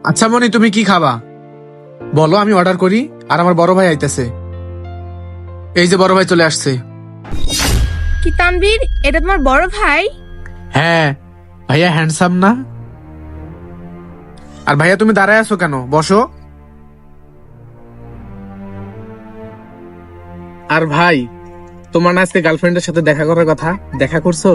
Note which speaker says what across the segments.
Speaker 1: আচ্ছা মনি, তুমি কি খাবা বলো, আমি অর্ডার করি। আর আমার বড় ভাই আইতেছে, এই যে বড় ভাই চলে আসছে।
Speaker 2: কি তানভীর, এটা তোমার বড় ভাই?
Speaker 1: হ্যাঁ ভাইয়া, হ্যান্ডসাম না? আর ভাইয়া তুমি দাঁড়ায় আছো কেন, বসো। আর ভাই, তোমার না আজকে গার্লফ্রেন্ডের সাথে দেখা করার কথা, দেখা করছো?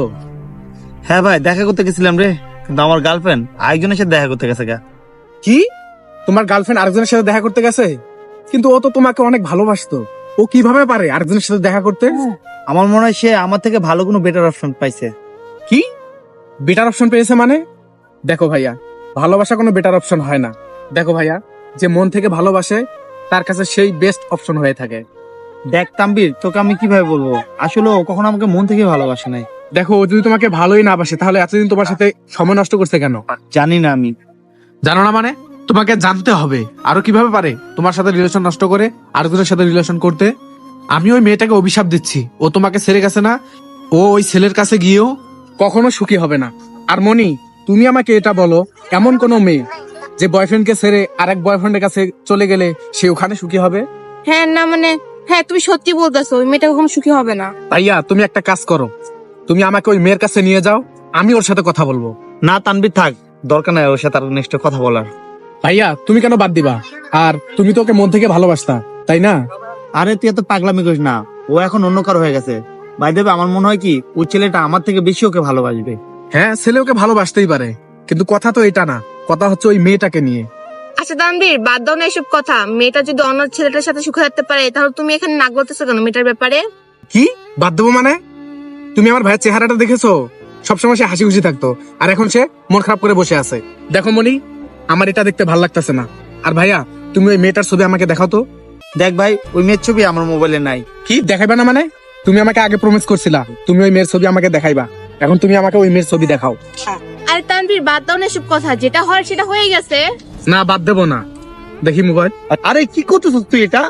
Speaker 3: হ্যাঁ ভাই, দেখা করতে গেছিলাম রে, কিন্তু আমার গার্লফ্রেন্ড আরেকজনের সাথে দেখা করতে গেছে গা।
Speaker 1: কি, তোমার গার্লফ্রেন্ড আরেকজনের সাথে দেখা করতে গেছে? কিন্তু ও তো তোমাকে অনেক ভালোবাসতো, ও কিভাবে পারে আরেকজনের সাথে দেখা করতে?
Speaker 3: আমার মনে হয় সে আমার থেকে ভালো কোনো বেটার অপশন পাইছে।
Speaker 1: কি বেটার অপশন পেয়েছে মানে? দেখো ভাইয়া, ভালোবাসা কোনো বেটার অপশন হয় না। দেখো ভাইয়া, যে মন থেকে ভালোবাসে তার কাছে সেই বেস্ট অপশন হয়ে থাকে।
Speaker 3: দেখ তানভীর, তোকে আমি কিভাবে বলবো, আসলে ও কখনো আমাকে মন থেকে ভালোবাসে নাই।
Speaker 1: দেখো, ও যদি তোমাকে ভালোই না বাসে তাহলে এতদিন তোমার সাথে সময় নষ্ট করছে কেন?
Speaker 3: জানি না আমি।
Speaker 1: জানো না মানে? তোমাকে জানতে হবে আরো কিভাবে পারে তোমার সাথে রিলেশন নষ্ট করে আরেকজনের সাথে রিলেশন করতে। আমি ওই মেয়েটাকে অভিশাপ দিচ্ছি, ও তোমাকে ছেড়ে গেছে না, ও ওই ছেলের কাছে গিয়েও কখনো সুখী হবে না। আর মনি, তুমি আমাকে এটা বলো, এমন কোন মেয়ে যে বয়ফ্রেন্ডকে ছেড়ে আরেক বয়ফ্রেন্ডের কাছে চলে গেলে সে ওখানে সুখী হবে?
Speaker 2: হ্যাঁ না মানে, হ্যাঁ তুমি সত্যি বলতেছো, ওই মেয়েটা কখনো সুখী হবে না।
Speaker 1: ভাইয়া, তুমি একটা কাজ করো, তুমি আমাকে ওই মেয়ের কাছে নিয়ে যাও, আমি ওর সাথে কথা বলবো।
Speaker 3: না তানভীর থাক, দরকার নাই ওর সাথে আর নেক্সট কথা বলার।
Speaker 1: ভাইয়া, তুমি কেন বাদ দিবা? আর তুমি তো ওকে মন থেকে ভালোবাসতা, তাই না?
Speaker 3: আরে তুই এত পাগলামি করিস না, ও এখন অন্য কারো হয়ে গেছে। ভাই দেবে, আমার মনে হয় কি ওই ছেলেটা আমার থেকে বেশি ওকে ভালোবাসবে।
Speaker 1: হ্যাঁ, ছেলে ওকে ভালোবাসতেই পারে, কিন্তু কথা তো এটা না, কথা হচ্ছে ওই মেয়েটাকে নিয়ে।
Speaker 2: আচ্ছা তানভীর, বাদ দাও না এসব কথা। মেয়েটা যদি অন্য ছেলেটার সাথে সুখে থাকতে পারে, তাহলে তুমি এখানে নাক বলতেছো কেন মেয়েটার ব্যাপারে?
Speaker 1: কি বাদ দেবো মানে? তুমি আমার ভাইয়ের চেহারাটা দেখেছো? সবসময় সে হাসি খুশি থাকতো, আর এখন সে মন খারাপ করে বসে আছে। দেখো মনি, আমার এটা দেখতে ভালো লাগতেছে না। আর ভাইয়া, তুমি ওই মেয়েটার ছবি আমাকে দেখাও তো।
Speaker 3: দেখ ভাই, ওই মেয়ের ছবি আমার মোবাইলে নাই।
Speaker 1: কি দেখাইবা না মানে? তুমি আমাকে আগে প্রমিস করছিলা তুমি ওই মেয়ের ছবি আমাকে দেখাইবা, এখন তুমি আমাকে ওই মেয়ের ছবি দেখাও।
Speaker 2: আরে তানভীর, বাদ দাও না এসব কথা, যেটা হয় সেটা হয়ে গেছে।
Speaker 1: না, বাদ দেবো না। দেখি মোবাইল।
Speaker 3: আরে কি করতেছিস তুই এটা?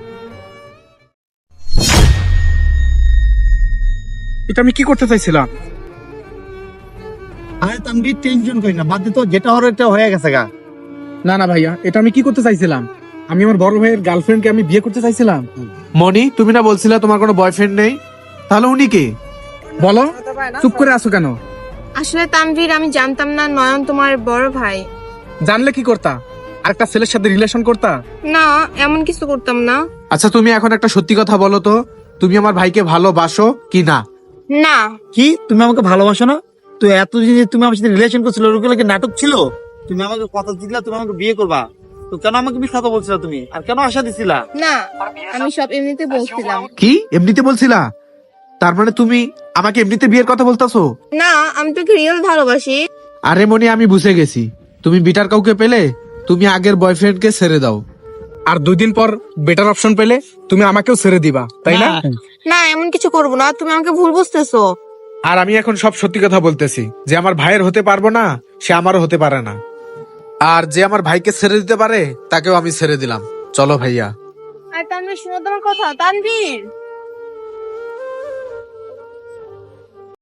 Speaker 1: এটা আমি কি করতে চাইছিলাম?
Speaker 3: আরে তানভীর, টেনশন করি না, বাদ দে তো, যেটা হওয়ার এটা হয়ে গেছে গা।
Speaker 1: না না ভাইয়া, এটা আমি কি করতে চাইছিলাম? আমি আমার বড় ভাইয়ের গার্লফ্রেন্ডকে আমি বিয়ে করতে চাইছিলাম। মনি, তুমি না বলছিলা তোমার কোনো বয়ফ্রেন্ড নেই? তাহলে উনি কে বলো? চুপ করে আছো কেন?
Speaker 2: আসলে তানভীর, আমি জানতাম না নয়ন তোমার বড় ভাই।
Speaker 1: জানলে কি করতা? আরেকটা ছেলের সাথে রিলেশন করতা?
Speaker 2: না, এমন কিছু করতাম না।
Speaker 1: আচ্ছা, তুমি এখন একটা সত্যি কথা বলো তো, তুমি আমার ভাইকে ভালোবাসো কি না?
Speaker 2: না।
Speaker 3: কি, তুমি আমাকে ভালোবাসো না? তো এতদিন যে তুমি আমার সাথে রিলেশন করছিলে, ওগুলো কি নাটক ছিল? তুমি আমাকে কথা দিলা তুমি আমাকে বিয়ে করবা, তো কেন আমাকে মিথ্যা কথা বলছিলা তুমি, আর কেন আশা দিছিলা?
Speaker 2: না, আমি সব এমনিতে বলছিলাম।
Speaker 1: কি এমনিতে বলছিলা? তার মানে তুমি আমাকে এমনিতে বিয়ের কথা বলতাছো?
Speaker 2: না, আমি তোকে রিয়েল ভালোবাসি।
Speaker 1: আরে মনি, আমি বুঝে গেছি, তুমি বেটার কাউকে পেলে তুমি আগের বয়ফ্রেন্ডকে ছেড়ে দাও, আর 2 দিন পর বেটার অপশন পেলে তুমি আমাকেও ছেড়ে দিবা, তাই না?
Speaker 2: না, এমন কিছু করবো না, তুমি আমাকে ভুল বুঝতেছো।
Speaker 1: আর আমি এখন সব সত্যি কথা বলতেছি, যে আমার ভাইয়ের হতে পারবো না সে আমারও হতে পারে না, আর যে আমার ভাইকে ছেড়ে দিতে পারে তাকেও আমি ছেড়ে দিলাম। চলো ভাইয়া।
Speaker 2: আর তানভীর, শুনো তোমার কথা। তানভীর।